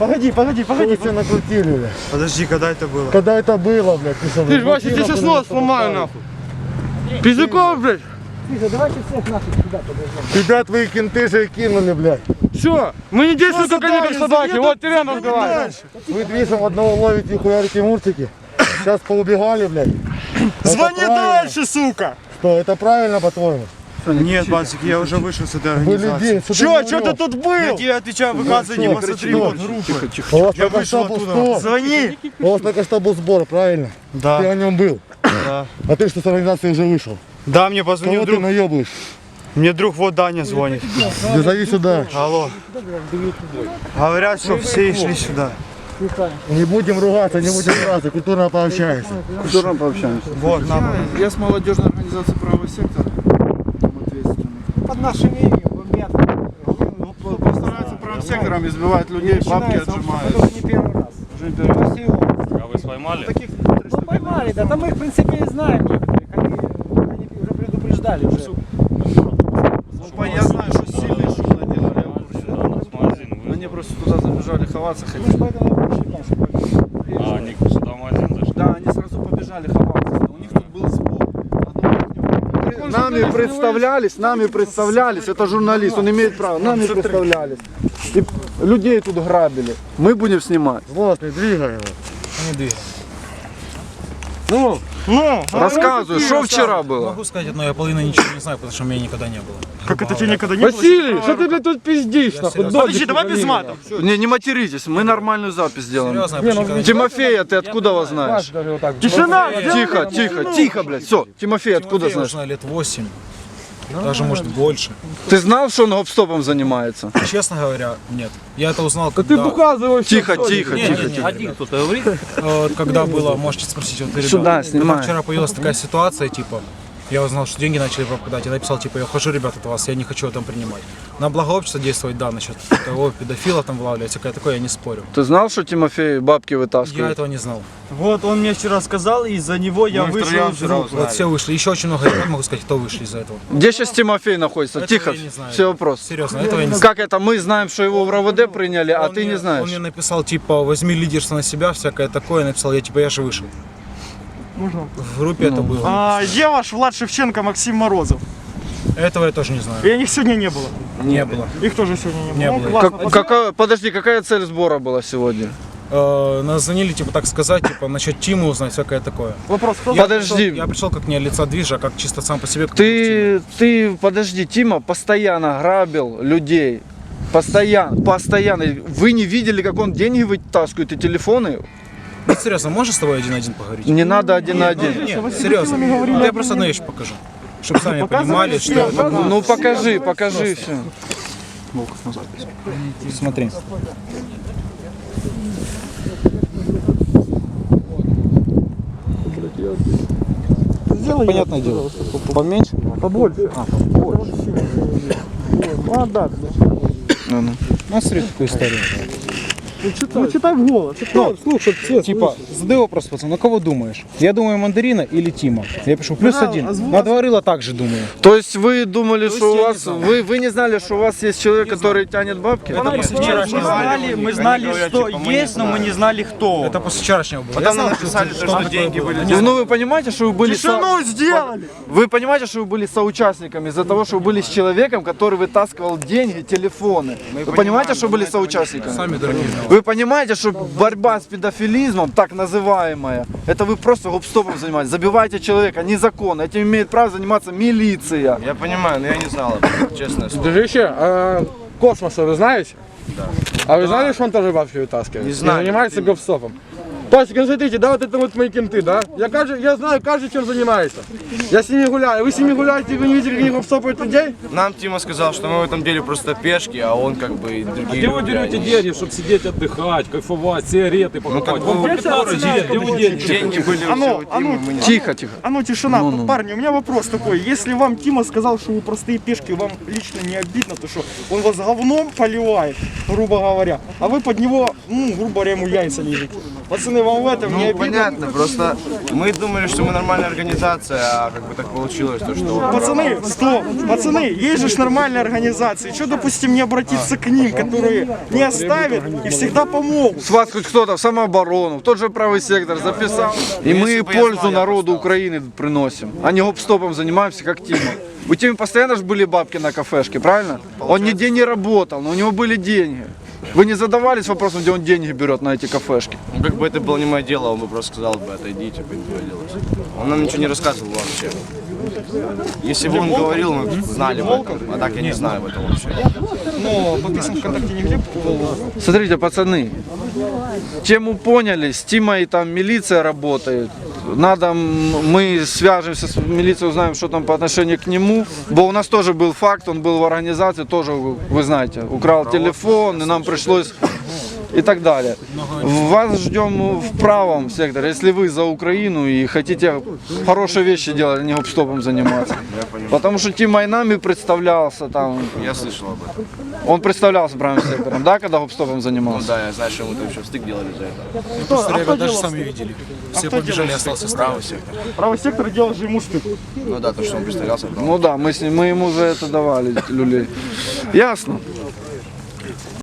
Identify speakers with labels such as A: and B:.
A: Погоди.
B: Вы все накрутили, блядь.
A: Подожди, когда это было?
B: Когда это было, блядь?
C: Ты ж, Вася, тебе сейчас нос сломаю, нахуй. Пиздюков, блядь.
D: Тихо, давайте всех наших сюда подождем.
B: Тебя твои кенты же кинули, блядь.
C: Все, мы не действуем как они, как собаки. Вот Тирен разговаривает.
B: Вы движем одного ловите и хуярите муртики. Сейчас поубегали, блядь.
A: Звони дальше, сука!
B: Что, это правильно, по-твоему?
A: Нет, Бансик, я уже вышел с этой
B: Вы
A: организации.
B: людей,
A: Что ты тут был? Я тебе отвечаю, выказывай, не посмотри вот группы.
B: У вас
A: Я
B: только что
A: вышел
B: был
A: оттуда.
B: сбор.
A: Звони!
B: У вас только что был сбор, правильно? Ты
A: Да,
B: на нем был.
A: да.
B: А ты что с организации уже вышел?
A: Да, мне позвонил
B: Кого ты
A: друг.
B: наебываешь?
A: Мне друг вот Даня звонит.
B: Да зови сюда.
A: Алло. Говорят, что все шли сюда.
B: Не будем ругаться, не будем драться, культурно пообщаемся.
E: Культурно пообщаемся.
A: Вот, на.
E: Я с молодежной организацией правого сектора. Там ответственный.
D: Под нашим именем бомбят.
E: Постараются правым сектором, избивают людей, бабки отжимают.
D: Это не первый раз.
E: Уже не первый раз.
F: А вы поймали?
D: Ну, поймали, да, там мы их в принципе и знаем некоторых. Они уже предупреждали уже.
E: Я знаю, что сильные шум наделали. Я в курсе. Они просто туда забежали ховаться
D: Мы ж
E: хотели.
D: поэтому и пришли, конечно.
F: А они сюда в магазин зашли?
E: Да, они сразу побежали ховаться. У них тут был сбор. Нами представлялись, это журналист, он имеет право, нами представлялись. И людей тут грабили. Мы будем снимать.
B: Злостный, двигай его.
C: Ну,
E: Рассказывай, что вчера было?
G: Могу сказать одно, я половину ничего не знаю, потому что у меня никогда не было.
A: Как это тебе никогда не было?
C: Василий, что ты, блядь, тут пиздишь, нахуй?
A: Подожди, давай без матов.
E: Не материтесь, мы нормальную запись сделаем.
G: Серьезно, я почти никогда не
E: Тимофея, ты откуда его знаешь?
A: Тишина!
E: Тихо, блядь, все. Тимофей, откуда
G: Тимофея
E: знаешь?
G: уже лет 8, даже может больше.
E: Ты знал, что он гоп-стопом занимается?
G: Честно говоря, нет. Я это узнал,
C: Ты
G: когда...
C: показываешь.
E: Тихо.
F: Один кто-то говорит?
G: Когда было, можете спросить вот ребят.
E: Сюда,
G: Когда
E: снимай.
G: вчера появилась такая ситуация, типа, я узнал, что деньги начали пропадать. Я написал, типа, я ухожу, ребята, от вас, я не хочу это принимать. На благо общества действовать, да, насчет того, педофилов там вылавливать, всякое такое, я не спорю.
E: Ты знал, что Тимофей бабки
G: Я
E: вытаскивает?
G: этого не знал.
A: Вот он мне вчера сказал, и из-за него я вышел из группы.
G: Вот все вышли. Еще очень много ребят, могу сказать, кто вышли из-за этого.
E: Где сейчас Тимофей находится?
G: Этого
E: Тихо,
G: я не знаю.
E: все вопрос.
G: Серьезно, этого я не знаю.
E: Как это? Мы знаем, что его в РОВД приняли, а
G: Он
E: ты не
G: мне-
E: знаешь.
G: Он мне написал, типа, возьми лидерство на себя, всякое такое. Написал, я же вышел. В группе это было.
A: А, где ваш Влад Шевченко, Максим Морозов?
G: Этого я тоже не знаю.
A: И их сегодня не было.
G: Не было.
A: Их тоже сегодня не было.
G: Не
A: Ну,
G: было.
A: классно.
E: Подожди, какая цель сбора была сегодня?
G: Нас звонили, типа, так сказать, типа, насчет Тимы узнать, всякое такое.
A: Вопрос, кто?
E: Подожди.
G: Я пришел как не от лица движа, а как чисто сам по себе. как Тима.
E: Ты, подожди, Тима постоянно грабил людей. Постоянно. Вы не видели, как он деньги вытаскивает и телефоны?
G: Нет, серьезно, можешь с тобой один на один поговорить?
E: Не надо один на один.
G: Нет, серьезно. Я просто одну вещь покажу. Чтобы сами понимали, что...
E: Ну покажи все.
G: Смотри. Понятное дело. Поменьше?
A: Побольше. А, да.
E: Ну.
G: Ну, смотри, какую историю.
A: Ну, читай в голос.
G: Слушай, типа, задай вопрос, пацан, на кого думаешь? Я думаю, Мандарина или Тима? Я пишу, +1. На два рыла также думаю.
E: То есть вы думали, что у
G: я не
E: вас...
G: знал.
E: Вы не знали, что у вас есть человек, который тянет бабки?
A: Мы знали, что есть, но мы не знали, кто.
G: Это после вчерашнего было.
A: Потом нам написали, что деньги были.
E: Ну вы понимаете, что вы были...
A: Тишину сделали!
E: Вы понимаете, что вы были соучастниками из-за того, что вы были с человеком, который вытаскивал деньги, телефоны. Вы понимаете, что были соучастниками?
G: Сами дорогие.
E: Вы понимаете, что борьба с педофилизмом, так называемая, это вы просто гоп-стопом занимаетесь, забиваете человека, незаконно, этим имеет право заниматься милиция.
A: Я понимаю, но я не знал, честно.
C: Дружище, а Космоса вы знаете? Да. А вы знали, что он тоже бабки вытаскивает?
A: Не знаю.
C: И занимается гоп-стопом? То есть, смотрите, да, вот это вот мои кенты, да? Я знаю, каждый чем занимается. Я с ними гуляю. Вы с ними гуляете, вы не видели, как они гоп-стопают людей?
A: Нам Тима сказал, что мы в этом деле просто пешки, а он как бы и другие
F: Где вы
A: люди,
F: берете
A: они-
F: деньги, чтобы сидеть, отдыхать, кайфовать, сигареты покупать? Вам по 15 лет, где вы деньги?
A: Деньги были
B: А
A: у
B: ну,
A: всего Тима, мы не
E: Тихо.
B: А ну тишина, парни, у меня вопрос такой. Если вам Тима сказал, что вы простые пешки, вам лично не обидно, то что он вас говном поливает, грубо говоря, а вы под него, ну, грубо говоря, ему яйца лежите. Пацаны, вам в этом не обидно?
H: Понятно, просто мы думали, что мы нормальная организация, а как бы так получилось, то что...
B: Пацаны, стоп! Пацаны, есть же ж нормальные организации. Что, допустим, не обратиться к ним, которые не оставят и всегда помогут?
E: С вас хоть кто-то в самооборону, в тот же правый сектор записал. И
H: Если
E: мы
H: бы я
E: пользу
H: знал, я
E: народу
H: бы
E: Украины приносим, а не гоп-стопом занимаемся, как Тима. У Тимы постоянно же были бабки на кафешке, правильно? Он нигде не работал, но у него были деньги. Вы не задавались вопросом, где он деньги берет на эти кафешки?
H: Ну, как бы это было не мое дело, он бы просто сказал бы, отойдите, пойдите делать. Он нам ничего не рассказывал вообще. Если бы он говорил, мы знали бы об этом, а так я не знаю об этом вообще.
B: Но подписан ВКонтакте нигде.
E: Смотрите, пацаны, тему поняли, с Тимой там милиция работает. Надо, мы свяжемся с милицией, узнаем, что там по отношению к нему. Бо у нас тоже был факт, он был в организации, тоже, вы знаете, украл телефон, и нам пришлось и так далее. Вас ждем в правом секторе, если вы за Украину и хотите хорошие вещи делать, а не гоп-стопом заниматься. Потому что Тима и нами представлялся там.
H: Я слышал об этом.
E: Он представлялся правым сектором, да, когда гоп-стопом
H: Ну
E: занимался?
H: да, я знаю, что мы там еще стык делали за это.
G: Просто ребята даже сами видели. Все побежали, остался
H: Правый
G: стоять.
H: сектор.
B: Правый сектор делал же ему стыд.
H: Ну да, то, что он представлялся.
E: Ну да, мы ему за это давали люлей. Ясно.